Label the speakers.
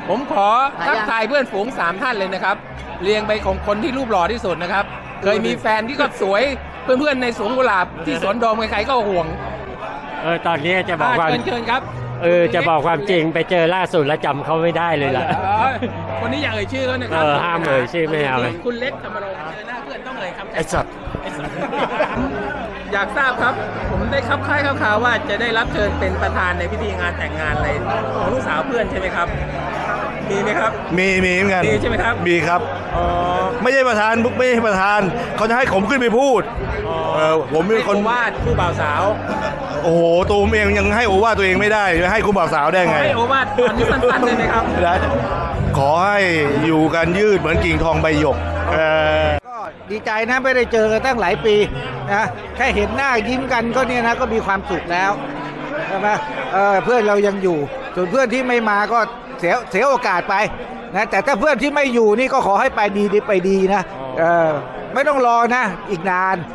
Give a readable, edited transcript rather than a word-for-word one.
Speaker 1: ผมขอทักทายเพื่อนฝูง3ท่านเลยนะครับเรียงไปของคนที่รูปหล่อที่สุดนะครับเคยมีแฟนที่ก็สวยเพื่อนๆในสวนกุหลาบที่สวนโดมใครๆก็ห่วง
Speaker 2: ตอนนี้จะบอกว่า
Speaker 1: เชิญครับ
Speaker 2: จะบอกความจริงไปเจอล่าสุดแล้วจำเขาไม่ได้เลยล่ะ
Speaker 1: คนนี้อยากเอ่ยชื่อเขานะครับ
Speaker 2: ห้ามเอ่ยชื่อไม่เอาเลย
Speaker 1: คุณเล็กธรรมรงค์เจอหน้าเพื่อนต้องเอ่ยคำ
Speaker 2: ไอ้สัตว์
Speaker 1: อยากทราบครับ ผมได้คับค่ายข่าวว่าจะได้รับเชิญเป็นประธานในพิธีงานแต่งงานอะไรของลูกสาวเพื่อนใช่ไหมครับมีไหมครับ
Speaker 3: มีเหมือนกัน
Speaker 1: มีใช่ไหมครับ
Speaker 3: มีครับ
Speaker 1: อ๋อ
Speaker 3: ไม่ใช่ประธานไม่ใช่ประธานเขาจะให้ผมขึ้นไปพูดผมเป็นคน
Speaker 1: ให้โอวาทคู่บ่าวสาว
Speaker 3: โอ้โหตัวผมเองยังให้โอวาทตัวเองไม่ได้จะให้คุณบ่าวสาวได้ไง
Speaker 1: ให้โอวาทตอนนี้สั้นๆเลยนะครับ
Speaker 3: ได้ขอให้อยู่กันยืดเหมือนกิ่งทองใบหยก
Speaker 4: ก็ดีใจนะไม่ได้เจอกันตั้งหลายปีนะแค่เห็นหน้ายิ้มกันก็เนี่ยนะก็มีความสุขแล้วใช่ไหมเพื่อนเรายังอยู่ส่วนเพื่อนที่ไม่มาก็เสียโอกาสไปนะแต่ถ้าเพื่อนที่ไม่อยู่นี่ก็ขอให้ไปดีไปดีนะไม่ต้องรอนะอีกนาน